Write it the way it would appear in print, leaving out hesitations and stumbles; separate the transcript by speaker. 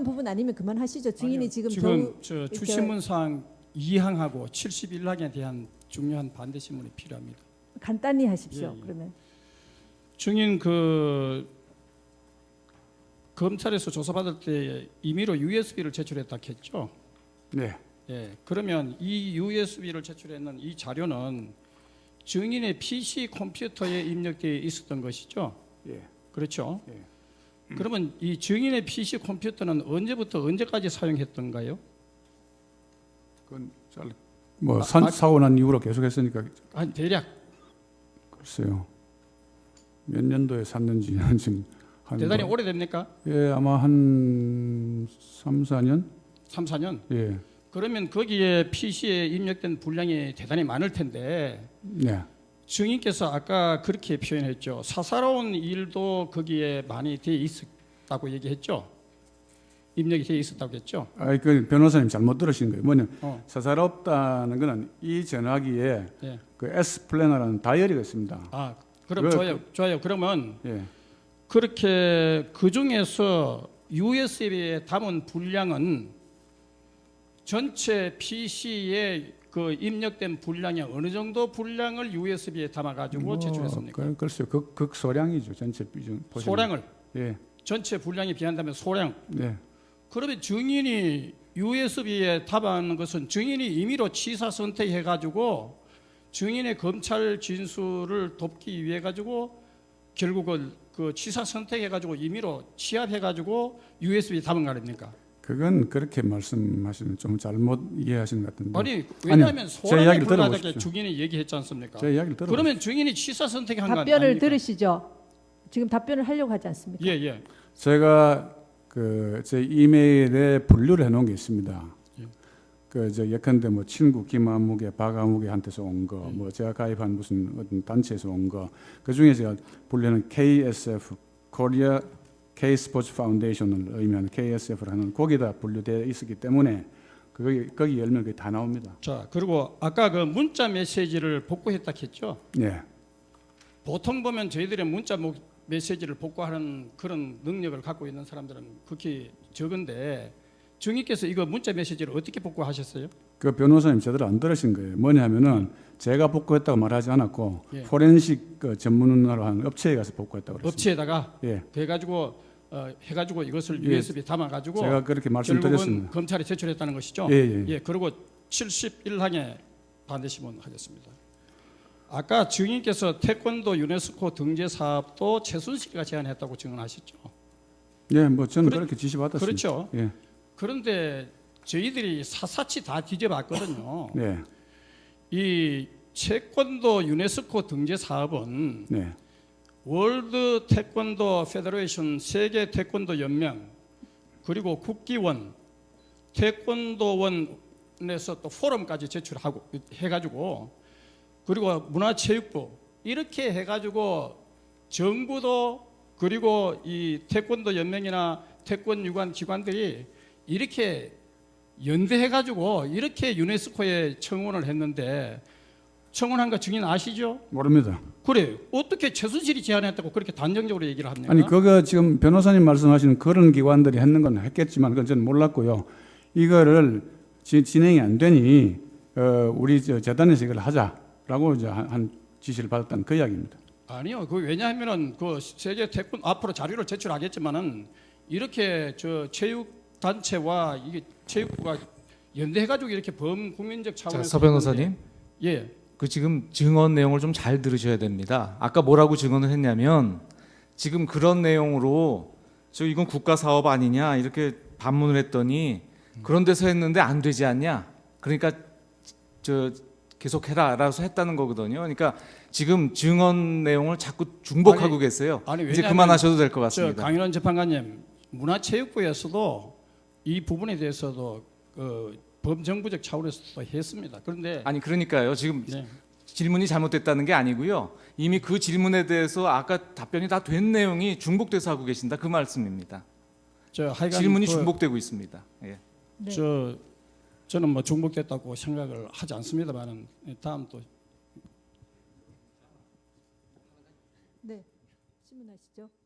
Speaker 1: 부분 아니면 그만하시죠. 증인이
Speaker 2: 아니요,
Speaker 1: 지금
Speaker 2: 저 주신문사항 2항하고 71항에 대한 중요한 반대 신문이 필요합니다.
Speaker 1: 간단히 하십시오.
Speaker 2: 예.
Speaker 1: 그러면
Speaker 2: 증인 그 검찰에서 조사받을 때 임의로 USB를 제출했다 했죠.
Speaker 3: 네.
Speaker 2: 예. 그러면 이 USB를 제출했는 이 자료는 증인의 PC 컴퓨터에 입력되어 있었던 것이죠.
Speaker 3: 예.
Speaker 2: 그렇죠.
Speaker 3: 예.
Speaker 2: 그러면 이 증인의 PC 컴퓨터는 언제부터 언제까지 사용했던가요?
Speaker 3: 그건 뭐 사고 난 이후로 계속했으니까
Speaker 2: 한 대략
Speaker 3: 글쎄요. 몇 년도에 샀는지는 지금
Speaker 2: 대단히 오래됩니까?
Speaker 3: 예, 아마 한 3, 4년?
Speaker 2: 3, 4년?
Speaker 3: 예.
Speaker 2: 그러면 거기에 PC에 입력된 분량이 대단히 많을 텐데
Speaker 3: 네.
Speaker 2: 증인께서 아까 그렇게 표현했죠. 사사로운 일도 거기에 많이 돼 있었다고 얘기했죠. 입력이 돼 있었다고 했죠.
Speaker 3: 그 변호사님 잘못 들으신 거예요. 뭐냐? 사사롭다는 거는 이 전화기에
Speaker 2: 예.
Speaker 3: 그 S 플래너라는 다이어리가 있습니다.
Speaker 2: 아, 그럼 좋아요. 그러면
Speaker 3: 예.
Speaker 2: 그렇게 그 중에서 USB에 담은 분량은 전체 PC에 그 입력된 분량이 어느 정도 분량을 USB에 담아가지고 제출했습니까?
Speaker 3: 글쎄요, 극소량이죠. 전체 비중.
Speaker 2: 소량을.
Speaker 3: 예.
Speaker 2: 전체 분량에 비한다면 소량.
Speaker 3: 네.
Speaker 2: 그러면 증인이 USB에 담아놓은 것은 증인이 임의로 취사 선택해가지고 증인의 검찰 진술을 돕기 위해 가지고 결국은 그 취사 선택해가지고 임의로 취합해가지고 USB에 담은 거 아닙니까?
Speaker 3: 그건 그렇게 말씀하시면 좀 잘못 이해하시는 것 같은데.
Speaker 2: 아니 왜냐하면
Speaker 3: 제
Speaker 2: 소량에
Speaker 3: 이야기를
Speaker 2: 불과하게
Speaker 3: 들어보십시오.
Speaker 2: 증인이 얘기했지 않습니까?
Speaker 3: 제 이야기를 들어보십시오.
Speaker 2: 그러면 증인이 취사 선택한 거 아닙니까?
Speaker 1: 답변을 들으시죠. 지금 답변을 하려고 하지 않습니까?
Speaker 2: 예.
Speaker 3: 제가 제 이메일에 분류를 해놓은 게 있습니다.
Speaker 2: 예.
Speaker 3: 예컨대 뭐 친구 김아무개, 박아무개한테서 온 거, 뭐 제가 가입한 무슨 어떤 단체에서 온 거, 그 중에 제가 분류는 KSF, Korea K 스포츠 파운데이션을 의미하는 KSF라는 거기다 분류되어 있었기 때문에 거기 열면 그게 다 나옵니다.
Speaker 2: 자, 그리고 아까 그 문자 메시지를 복구했다 했죠?
Speaker 3: 네.
Speaker 2: 보통 보면 저희들의 문자 메시지를 복구하는 그런 능력을 갖고 있는 사람들은 극히 적은데 증인께서 이거 문자 메시지를 어떻게 복구하셨어요?
Speaker 3: 그 변호사님 제대로 안 들으신 거예요. 뭐냐면은 제가 복구했다고 말하지 않았고
Speaker 2: 예.
Speaker 3: 포렌식 전문으로 하는 업체에 가서 복구했다고 그랬습니다.
Speaker 2: 업체에다가
Speaker 3: 예.
Speaker 2: 해가지고 이것을
Speaker 3: 예.
Speaker 2: USB 담아가지고
Speaker 3: 제가 그렇게
Speaker 2: 결국은
Speaker 3: 말씀드렸습니다.
Speaker 2: 검찰에 제출했다는 것이죠.
Speaker 3: 예.
Speaker 2: 그리고 71항에 반대 신문하겠습니다. 아까 증인께서 태권도 유네스코 등재 사업도 최순실이가 제안했다고 증언하셨죠.
Speaker 3: 예, 뭐 저는 그렇게 지시받았습니다.
Speaker 2: 그렇죠.
Speaker 3: 예.
Speaker 2: 그런데 저희들이 샅샅이 다 뒤져봤거든요.
Speaker 3: 네.
Speaker 2: 이 태권도 유네스코 등재 사업은
Speaker 3: 네.
Speaker 2: 월드 태권도 페더레이션 세계 태권도 연맹 그리고 국기원 태권도원에서 또 포럼까지 제출하고 해가지고 그리고 문화체육부 이렇게 해가지고 정부도 그리고 이 태권도 연맹이나 태권 유관 기관들이 이렇게 연대해가지고 이렇게 유네스코에 청원을 했는데 청원한 거 증인 아시죠?
Speaker 3: 모릅니다.
Speaker 2: 그래 어떻게 최순실이 제안했다고 그렇게 단정적으로 얘기를 합니까?
Speaker 3: 아니 그거 지금 변호사님 말씀하시는 그런 기관들이 했는 건 했겠지만 그건 저는 몰랐고요. 이거를 진행이 안 되니 우리 재단에서 이걸 하자라고 이제 한 지시를 받았다는 그 이야기입니다.
Speaker 2: 아니요, 그 왜냐하면은 그 세계 태권 앞으로 자료를 제출하겠지만은 이렇게 저 체육 단체와 이게 체육부가 연대해가지고 이렇게 범국민적 차원에서
Speaker 4: 서 변호사님,
Speaker 2: 예,
Speaker 4: 그 지금 증언 내용을 좀 잘 들으셔야 됩니다. 아까 뭐라고 증언을 했냐면 지금 그런 내용으로 저 이건 국가 사업 아니냐 이렇게 반문을 했더니 그런 데서 했는데 안 되지 않냐. 그러니까 저 계속해라라서 했다는 거거든요. 그러니까 지금 증언 내용을 자꾸 중복하고 계세요. 이제 그만하셔도 될 것 같습니다.
Speaker 2: 강인원 재판관님, 문화체육부에서도 이 부분에 대해서도 범정부적 차원에서도 했습니다. 그런데
Speaker 4: 아니 그러니까요. 지금
Speaker 2: 네.
Speaker 4: 질문이 잘못됐다는 게 아니고요. 이미 그 질문에 대해서 아까 답변이 다 된 내용이 중복돼서 하고 계신다 그 말씀입니다.
Speaker 2: 하여간
Speaker 4: 질문이 중복되고 있습니다. 예.
Speaker 1: 네.
Speaker 2: 저는 뭐 중복됐다고 생각을 하지 않습니다만은 다음 또
Speaker 1: 네, 질문하시죠.